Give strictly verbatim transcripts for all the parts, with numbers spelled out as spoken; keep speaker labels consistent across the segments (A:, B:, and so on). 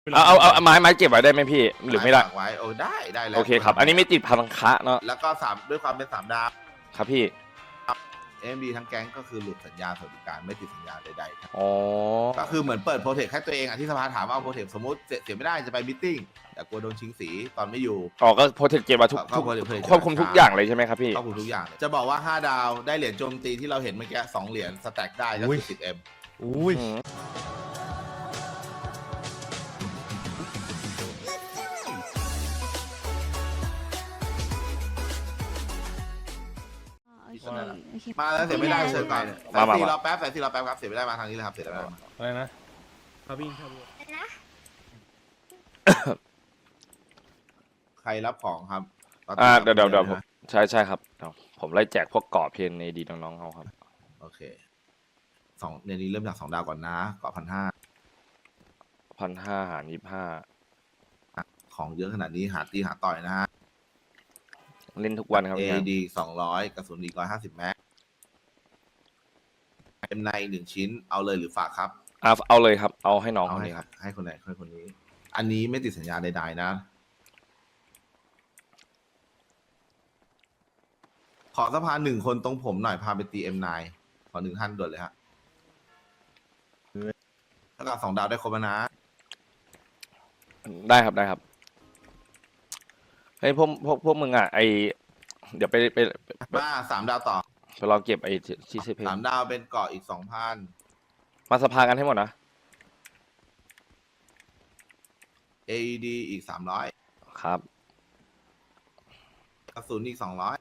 A: เอาเอาเอาไม้ไม้เก็บไว้ได้ไหมพี่หรือไม่ได้
B: ฝากไว้โอ้ได้ได้แล้ว
A: โอเคครับอันนี้ไม่ติดพันคะเนาะ
B: แล้วก็สามด้วยความเป็นสามดาว
A: ครับพี่
B: เอ็มดีทั้งแก๊งก็คือหลุดสัญญาสวัสดิการไม่ติดสัญญาใดๆครับ
A: อ๋อ
B: ก็คือเหมือนเปิดโปรเทคให้ตัวเองอ่ะที่สภาถามว่าเอาโปรเทคสมมติเสียเสียไม่ได้จะไปมิทติ้งแต่กลัวโดนชิงสีตอนไม่อยู่
A: อ๋อก็โปรเทคเก็บมาทุก
B: ก็
A: ทุก
B: protect
A: ควบคุมทุกอย่างเลยใช่ไหมครับพี่
B: ครอบคลุมทุกอย่างเลยจะบอกว่าห้าดาวได้เหรียญโจมตีที่เราเห็นเมื่อกี้สองเหรียญสแต็กได้ก็คือสิบเอ็ม
C: อุ้ย
A: อืม
D: โอเคโอเค
B: มาแล้วเสียไม่ได้เชิญก่อนสายสี่รอแป๊บสายสี่รอแป๊บครับเสียไม่ได้มาทางนี้เลยครับเสียไม่ได้มา
C: อะไรนะ
E: ครับพี่ครับ
D: นะ
B: ใครรับของครับ
A: อ่าเดี๋ยวเดี๋ยวเดี๋ยวผมใช่ใช่ครับเดี๋ยวผมไล่แจกพวกเกาะเพนในดีน้องๆเอาครับ
B: โอเคสองในนี้เริ่มจากสองดาวก่อนนะเกาะพันห้า
A: พันห้าหารยี่ห้า
B: ของเยอะขนาดนี้หาตีหาต่อยนะฮะ
A: เล่นทุกวันครับ
B: เอ
A: เนี่ย
B: ดีสองร้อยกระสุนอีกร้อยห้าสิบแม็กเอ็มในหนึ่งชิ้นเอาเลยหรือฝากครับ
A: อ่ะเอาเลยครับ เอาให้น้อง
B: เอา
A: คน
B: ให้
A: นี้ครับ
B: ให้คนไหนให้คนนี้ อันนี้ไม่ติดสัญญาใดๆนะ ขอสภาหนึ่งคนตรงผมหน่อยพาไปตีเอ็มไนขอหนึ่งท่านด่วนเลยฮะถ้ากับสองดาวได้ครบแล้วนะ
A: ได้ครับได้ครับเฮ้ยพวกพวกพวกมึงอ่ะไอเดี๋ยวไปไปไปไป
B: มาสามดาวต่อ
A: ไปรอเก็บไอ้ที่ซีเพน
B: สามดาวเป็นเกาะอีกสองพัน
A: มาสภากันให้หมดนะ
B: เอดีอีกสามร้อย
A: ครับ
B: กระสุนอีกสองร้อย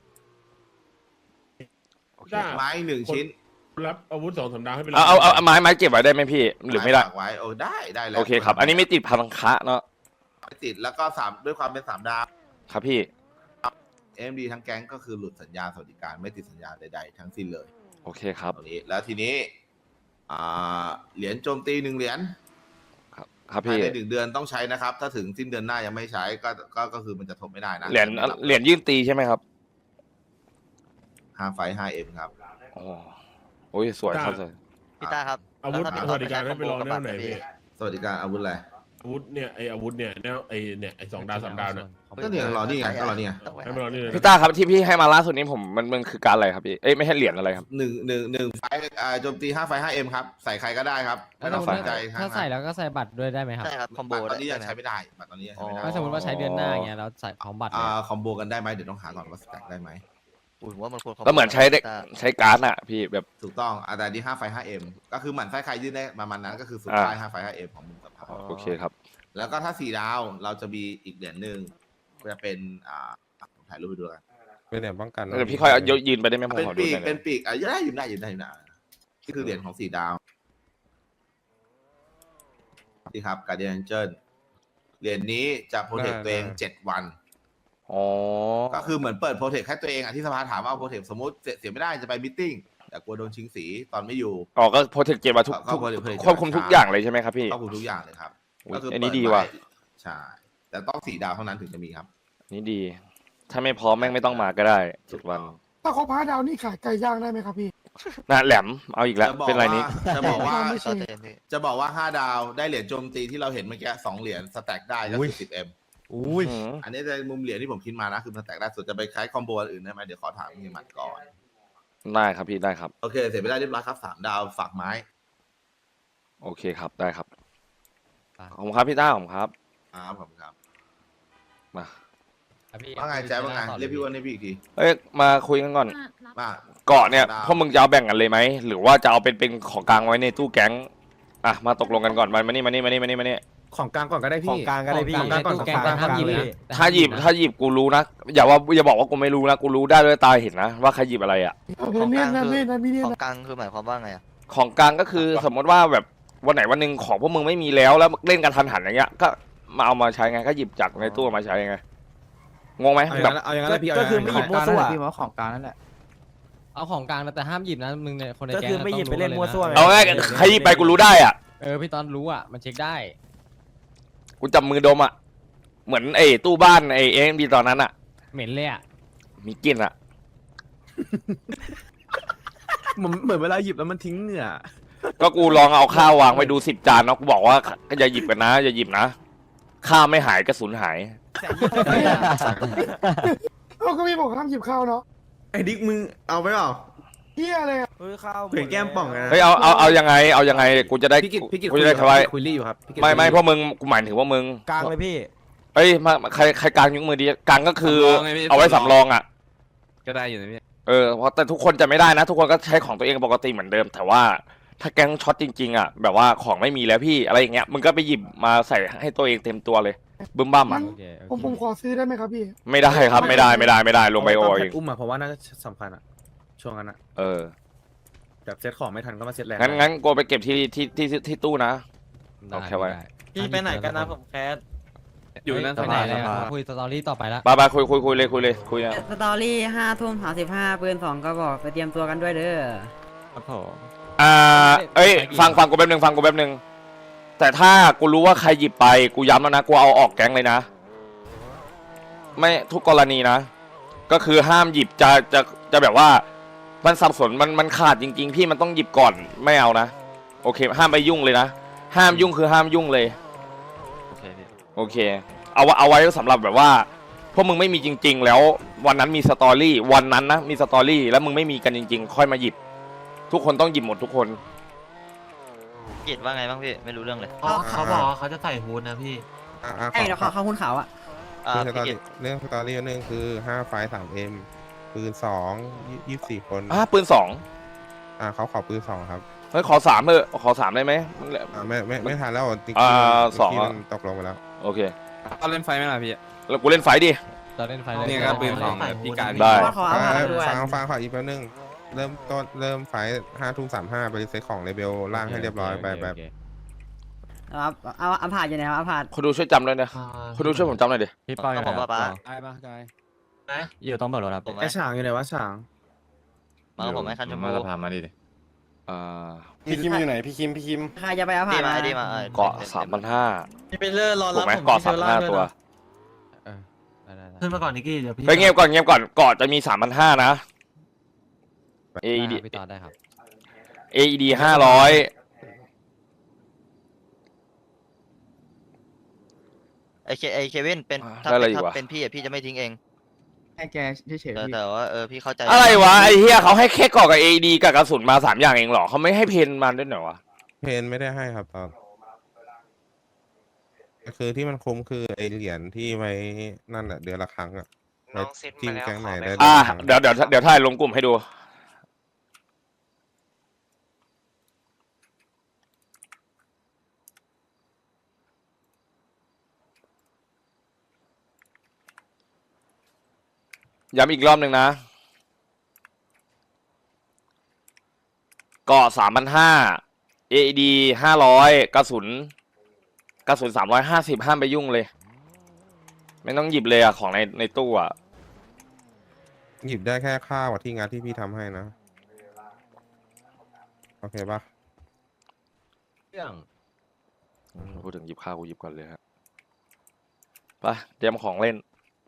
A: โอเค
E: ได้
B: ไม้หนึ่งชิ้น
E: รับอาวุธสองสามดาวให้ไป
A: เอาเอาเอาเอาไม้ไม้เก็บไว้ได้ไหมพี่หรือไม่ได้
B: ฝากไว้โอ้ได้ได้แล้ว
A: โอเคครับ อันนี้ไม่ติดพันคะเนาะ
B: ไม่ติดแล้วก็สามด้วยความเป็นสามดาว
A: ครับพี่
B: เอ็มดีทั้งแก๊งก็คือหลุดสัญญาสวัสดิการไม่ติดสัญญาใดๆทั้งสิ้นเลย
A: โอเคครับ
B: ตรงนี้แล้วทีนี้อ่าเหรียญโจมตีหนึ่งเหรียญ
A: ครับครับ
B: ภาย
A: พี่
B: ในหนึ่งเดือนต้องใช้นะครับ ถ้าถึงสิ้นเดือนหน้ายังไม่ใช้ก็ก็ก็คือมันจะทบไม่ได้นะ
A: เหรียญเหรียญยื่นตีใช่ไหมครับ
B: ห้าไฟห้าเอ็มครับ
A: อ๋อโอ้ยสวยครับสวย
F: พี่ต้าครับ
E: อาวุธ
F: แล้วถ้า
E: สวัสดิการให้ไปรอ
F: กับ
E: แน
F: บั
E: ว
F: ตร
E: ไหน
F: นะ
E: พี่
F: พี่
B: สวัสดิการอาวุธอะไร
E: อาวุธเนี่ยไออาวุธเนี่ยแนวไอเนี่ยไอสองดาวสามดาวเนี่ย
B: ก็เนี่ยรอนี่ไงก็รอนี่ไง
E: ให้ไปรอนี่เลย
A: พี่ต้าครับที่พี่ให้มาล่าสุดนี้ผมมันมันคือการอะไรครับพี่เอ้ยไม่ใช่เหรียญอะไรครับ
B: หนึ่งหนึ่งหนึ่งไฟอ่าโจมตีห้าไฟห้าเอ็มครับใส่ใครก็ได้ครับไม่ต้องสนใจ
G: ถ้าใส่แล้วก็ใส่บัตรด้วยได้ไหมครับ
F: ใช่ครับคอมโบ
B: บัตรตอนนี้ยัง
F: ได้
B: ใช้
F: ไหม
B: ไม่ได้บัตรตอนนี้ยังใช้ไม่ได้
F: อ๋อ
G: ถ้าสมมติว่าใช้เดือนหน้าอย่างเงี้ยแล้วใส่ของบัตรเลย
B: อ่า
G: อะ
B: คอมโบกันได้ไหมเดี๋ยวต้องหาก่อนว่าสแต็กได้ไหม
F: อุ้ยผมว่ามันควร
A: ก็เหมือนใช้เด็ก
F: พี่ต้า
A: ใช้การ์ดอะพี่แบบ
B: ถูกต้องอาแต่ดีห้าไฟห้าเอ็มก็คือหมันไส้ใครยื่นได้ประมาณนั้นก็คือสุด
A: อ่า
B: ท้ายห้าไฟห้าเอ็มของมุมสภา
A: โอเคครับ
B: แล้วก็ถ้าสี่ดาวเราจะมีอีกเหรียญหนึ่งจะเป็นอ่าผมถ่ายรูปไปดูกัน
C: เป็นเนี่ยป้องกัน
A: เดี๋ยวพี่ค่อยเอายกยืนไปได้ไหมผม
B: เป็น
A: ขอดู
B: ปีก
A: หน่อย
B: เป็น
A: นะ
B: ปีกอ่ะได้ยืนได้ยืนได้ยืนได้นี่คือเหรียญของสี่ดาวนี่ครับการเดียนเจิลเหรียญนี้จะโปรเทคตัวเองเจ็ดวัน
A: อ๋อ
B: ก็คือเหมือนเปิดโปรเทคให้ตัวเองอ่ะที่สภาถามว่าเอาโปรเทคสมมติเสียเสียไม่ได้จะไปมิทติ้งแต่กลัวโดนชิงสีตอนไม่อยู่
A: อ๋อก็โปรเทคเก็บมาทุก
B: ก็
A: ทุก
B: protect
A: ควบคุมทุกอย่างเลยใช่ไหมครับพี่
B: ครอบคลุมทุกอย่างเลยครับ
A: อุ๊ย
B: ก็คือ
A: อันนี้
B: เปิ
A: ดี
B: ไ
A: ว่ะ
B: ใช่แต่ต้องสี่ดาวเท่านั้นถึงจะมีครับ
A: นี่ดี ถ้าไม่พร้อมแม่งไม่ต้องมาก็ได้เจ็ดวัน
H: ถ้าครบห้าดาวนี่ขายไก่ย่างได้ไหมครับพี่
A: น่ะแหลมเอาอีกแล้ว
B: จะบอก
A: เป็นไร
B: ว่า
A: นี้
B: จะบอกว่า
H: ไม่ใช่
F: ต่อเต็มพี่
B: จะบอกว่าห้าดาวได้เหรียญโจมตีที่เราเห็นเมื่อกี้สองเหรียญสแต็กได้ก็คือสิบเอ็ม
C: อุ้ย
A: อืม
B: อันนี้ในมุมเหรียญที่ผมคิดมานะคือสแต็กได้ส่วนจะไปคล้ายคอมโบอันอื่นได้ไหมเดี๋ยวขอถามเฮียหมัดก่อน
A: ได้ครับพี่ได้ครับ
B: โอเคเสร็จไปได้เรียบร้อยครับสามดาวฝากไม้
A: โอเคครับได้ครับขอบคุณครับพี่ต้าขอบคุณครับ
B: ครับผมครับ
A: มา
G: ครับพี่
B: ว่าไงแจ๊บว่าไงเรียกพี่อ้วันให้พี่อีกที
A: เอ้ยมาคุยกันก่อน
B: มา
A: เกาะเนี่ยพวกมึงจะเอาแบ่งกันเลยไหมหรือว่าจะเอาเป็นเป็นของกลางไว้ในตู้แก๊งอ่ะมาตกลงกันก่อนมามานี่มานี่มานี่มานี่มานี่
C: ของกลางก่อนก็ได้พี่
G: ของกลางก็ได้พี่
C: ของกลางก่อน
G: ตู้แกง
C: ของกลาง
G: ห้ามหยิบ
C: เลย
G: นะ
A: ถ้าหยิบถ้าหยิบกูรู้นะอย่าว่าอย่าบอกว่ากูไม่รู้นะกูรู้ได้ด้วยตาเห็นนะว่าใครหยิบอะไรอ่ะ
H: เนี่ยนะเนี่ยนะพี่เนี่ย
F: ของ
H: นะ
F: กลางคือหมายความว่าไงอะ
A: ของกลางก็คือสมมติว่าแบบวันไหนวันหนึ่งของพวกมึงไม่มีแล้วแล้วเล่นกันทันหันอย่างเงี้ยก็มาเอามาใช้ไงก็หยิบจากในตู้มาใช้ไงงงไหม
C: เอาอ
A: แบ
C: ย่าง
A: บ
C: นั้นเอาอย่างนั้นเลยพี่
I: ก็คือไม่หยิบมั่วซั่ว
G: พี่ว่าของกลางนั่นแหละเอาของกลางนะแต่ห้ามหยิบนะมึงเนี่ยคนใน
I: ก็
G: แก๊ง
I: คือไม่หยิบไปเล่นมั่วซั่วไง
A: เอาง่ายๆใครหยิบไปกูรู้ได้อ่ะ
G: เออพี่ตอนรู้อ่ะมันเช็คได้
A: กูจับมือดมอ่ะเหมือนไอ้ตู้บ้านไอ้เอ็มดีตอนนั้นอ่ะ
G: เหม็นเลยอ่ะ
A: มีกลิ่นอ่ะ
I: เหมือนเหมือนเวลาหยิบแล้วมันทิ้งเหงื่อ
A: ก็กูลองเอาข้าววางไว้ดูสิบจานเนาะกูบอกว่าอย่าหยิบกันนะอย่าหยิบนะข้าวไม่หายกระสุนหาย
H: เราก็มีบอกห้ามหยิบข้าวเนาะ
D: ไอ้ดิ๊กมึงเอาไปเปล่า
H: เฮียอะไรอะ
I: เฮ้ยข้าว
D: เผื่อแก้มป่องกันนะ
A: เฮ้ยเอาเอาเอายังไงเอายังไงกูจะได้
I: พี่กิตพี่กิต
A: กูจะได้ทำไม
I: คุยรี่อยู่ครับพี่กิต
A: ไม่ไม่เพราะมึงกูหมายถึงว่ามึง
I: กลางเลยพี่
A: เอ้ยมาใครใครกลางยกมือดีกลางก็คือ
C: สำรองไงพี่
A: เอาไว้สำรองอ่ะ
C: ก็ได้อยู่นะพี่
A: เออเพราะแต่ทุกคนจะไม่ได้นะ ทุกคนก็ใช้ของตัวเองปกติเหมือนเดิม แต่ว่าถ้าแก๊งช็อตจริงๆอ่ะแบบว่าของไม่มีแล้วพี่อะไรอย่างเงี้ยมึงก็ไปหยิบมาใส่ให้ตัวเองเต็มตัวเลยบึ้มบ้ามอ่ะ
G: โอเคโอ
H: ผม
G: เค
H: ผมขอซื้อได้ไหมครับพี่
A: ไม่ได้ครับไม่ได้ไม่ได้ไม่ได้ลงไปโอ
I: ตน
A: เอ
I: แพ
A: ง
I: ทอุ้มอะเพราะว่าน่าจะสำคัญอะช่วงนั้นอะ
A: เออ
I: แบบเซ็ตของไม่ทันก็มาเซ็ตแรง
A: งั้นงั้นกูไปเก็บที่ที่ที่ที่ที่ตู้นะ
G: ได้
A: โอเคไว้
G: ได้
D: พี่ไปไหนกันนะผมแคส
C: อยู่นั่น
G: ไป
C: ส
G: ไหน
C: บาย
G: เลย
C: ส
G: อะ
C: บาย
G: คุยสตอรี่ต่อไปละ
A: บายบายคุยคุยคุยเลยคุยเลยคุยนะ
J: สตอรี่ห้าทุ่มสามสิบห้าปืนสองก็บอกไปเตรียมตัวกันด้วยเด้อ
C: ครับผม
A: อ่าเอ้ยฟังฟังกูแป๊บนึงฟังกูแป๊บนึงแต่ถ้ากูรู้ว่าใครหยิบไปกูย้ำแล้วนะกูเอาออกแก๊งเลยนะ ไม่ทุกกรณีนะ ก็คือห้ามหยิบจะจะจะแบบว่ามันสับสนมันมันขาดจริง ๆ พี่มันต้องหยิบก่อนไม่เอานะโอเค ห้ามไปยุ่งเลยนะห้ามยุ่งคือห้ามยุ่งเลย
C: โอเคพี่
A: โอเค เอาเอาไว้สำหรับแบบว่าพวกมึงไม่มีจริง ๆ แล้ววันนั้นมีสตอรี่วันนั้นนะมีสตอรี่แล้วมึงไม่มีกันจริง ๆ ค่อยมาหยิบ ทุกคนต้องหยิบหมดทุกคน
F: กิจว่าไงบ้างพี่ไม่รู้เรื่องเลย
D: เขาเขาบอกว่าเขาจะใส่ฮูดนะพี่
K: อ่ะอ่ะข
J: ไอ้
K: อ
J: เดี๋ยว
K: ข
J: เขา
K: อ
J: เขาคุณขาวอ่ะ
F: อ่า
K: เรื่องสตอ
F: พี่กิ
K: รี่
F: จ
K: เรื่องสตอรี่อันหนึงคือห้าไฟสามเอ็มปืนสองยี่สิบสี่คน
A: อ่ะปืนสอง
K: อ่าเขาขอปืนสองครับ
A: เฮ้ยขอสามเถอะขอสามได้ไหม
K: อ่าไม่ไม่ไม่ทันแล้วจริง
A: อ่า
K: ๆ
A: สอง
K: ที่
A: อ่ะ
K: มันตกลงไปแล้ว
A: โอเค
C: เอาเล่นไฟไหมล่ะพี่
A: แล้วกูเล่นไฟดิ
G: เราเล่นไฟเลย
C: เนี่ยก็ปืนสองแบบพี่การ
A: ได้
J: เพราะว่าเขาเอามา
K: อ่า
J: ด้วย
K: ฟังฟังขออีกแป๊บนึงเริ่มต้นเริ่มไฟห้าทุ่มสามห้าไปเซ็ตของเลเบลล่างให้เรียบร้อยไปแบบ
J: ครับเอาเอาผ่านอยู่ไหนครับเอาผ่าน
A: คนดูช่วยจำด้วยนะคนดูช่วยผมจำหน่อยดิ
F: พี่ป้อยผมว่าป้า
C: ได้ปะได้
F: อยู่ต้องเปิดรถครับผม
I: ไอ้ฉางอยู่ไหนวะฉาง
F: มากับผมไหมคันชมพู
C: มาสภามาดิ
A: อ่า
D: พี่คิมอยู่ไหนพี่คิมพี่คิม
J: ใครจะไปเอาผ่า
F: ดี
J: น
F: มา
J: มา
F: ดีมาออ
A: เกาะสามพันห้า
D: พี่ไปเลื่อนรอ
A: ถู
D: รั
A: ก
D: บ
A: ไหม
D: ผม
A: เกาะสามพันห้าตัว
G: ได้ได้ได้
D: ขึ้นมาก่อนนิกกี้เดี๋ยวพี่
A: เฮ้ยเงียบก่อนเงียบก่อนเกาะจะมีสามพันห้านะ เอ อี ดี
G: ได้พี่ต่อได้ครับ
A: เอ อี ดี ห้าร้อย
F: ไอเคไอเควินเป็นถ้า
A: ได้อะไร
F: เป็น
A: อีก
F: ถ้าว
A: ะ
F: เป็นพี่อะพี่จะไม่ทิ้งเอง
J: ให้แกเฉย
F: แต่แต่ว่าเออพี่เข้าใจ
A: อะไรวะไอ้เหี้ยเขาให้แค่เกาะกับ เอ อี ดี กับกระสุนมาสามอย่างเองเหรอเขาไม่ให้เพนมาด้วยเหรอวะ
K: เพนไม่ได้ให้ครับตอนคือที่มันคุ้มคือไอเหรียญที่ไว้นั่นแหละเดือนละครั้งอ่ะไว้จิ้มแก๊งไหนได้
A: อ่า
K: ครั้ง
A: เดี๋ยวเดี๋ยวเดี๋ยวถ่ายลงกลุ่มให้ดู ย้ำอีกรอบหนึ่งนะเกาะสามพันห้า เอ อี ดี ห้าร้อย กระสุน กระสุนสามร้อยห้าสิบห้ามไปยุ่งเลย ไม่ต้องหยิบเลยอะของในในตู้อะ
K: หยิบได้แค่ข้าวที่งานที่พี่ทำให้นะ โอเคปะ
G: เรื่อง
A: พูดถึงหยิบข้าวกูหยิบก่อนเลยฮะไปเตรียมของเล่น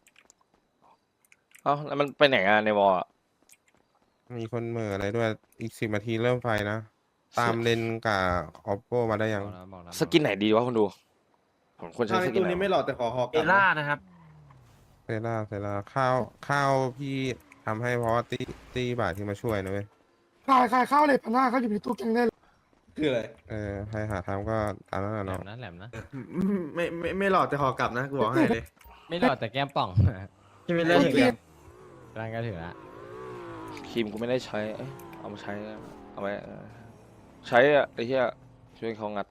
A: เอ้าแล้วมันไปไหนอะในวอลอะ
K: มีคนเหม่ออะไรด้วยอีกสิบนาทีเริ่มไฟนะ ตามเลนกับออปโปมาได้ยัง
G: บอกนะบอกนะ
A: สกินไหนดีวะคุณดู ผมควรใช้สกินไหนวะ
D: เอล่านะครับ
K: เซล่าเซล่าข้าวข้าวพี่ทำให้เพราะว่าตีตีบาทที่มาช่วยนะเว้ย
H: ขายขายข้าวเลยพันห้าเขาอยู่ในตู้แกงได้เลย
D: คืออะไร
K: เออใครหาทำก็ตามนั้นแหละ
G: แหล
K: เนาะ
G: มนะแหลมนะ
D: ไม่ไม่ไม่หลอดแต่ขอกลับนะกูบอกให้เลย
G: ไม่รอดแต่แก้มป่อง
D: พี่ไม่เล่นอย่างเดียว
G: ร่างก็ถือละ
A: ครีมกูไม่ได้ใช้เอ้ยเอามาใช้เอาไว้เออใช้อะไอ้เหี้ยช่วยเขางัด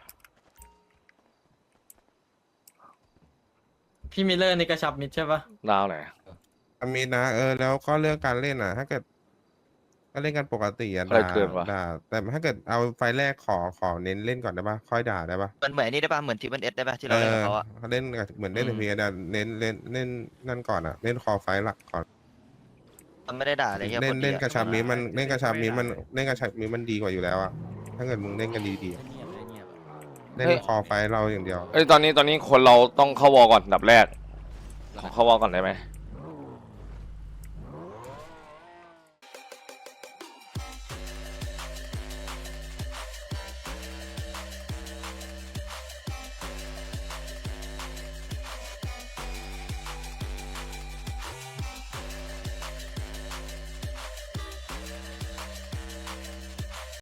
D: พี่มิลเลอร์ในกระชับมิดใช่ปะ
A: ดาวไหน
K: อามีนะเออแล้วก็เรื่องการเล่นอ่ะ ถ้าเกิดก็เล่นกันปกติอ่ะ
A: อะไร
K: ด่า
A: เกินวะ
K: ด่าแต่ถ้าเกิดเอาไฟแรกขอขอเน้นเล่นก่อนได้ปะค่อยด่าได้ปะ
F: มันเหมือนไอ้นี่ได้ป่ะเหมือนทีมันเอสได้ป่ะที่
K: เอ
F: เราเล่น
K: อ
F: กับเขาอะ
K: เล่นกับเหมือนเล่น
A: อื
K: ใน
A: ม
K: พีแต่เน้นเล่นเล่นนั่นก่อนอ่ะ เล่นคอไฟหลักก่อน
F: มันไม่ได้ด่าอะไรเงี้ย
K: เล่น
F: คดี
K: เล่น
F: อะ
K: กระชับมีมันเล่นกระชับมีมันเล่นกระชับมีมันดีกว่าอยู่แล้วอ่ะถ้าเกิดมึงเล่นกันดีๆอะเล่นคอไฟเราอย่างเดียว
A: เอ้ยตอนนี้ตอนนี้คนเราต้องเข้าวอลก่อนอันดับแรกขอเข้าวอลก่อนได้ไหม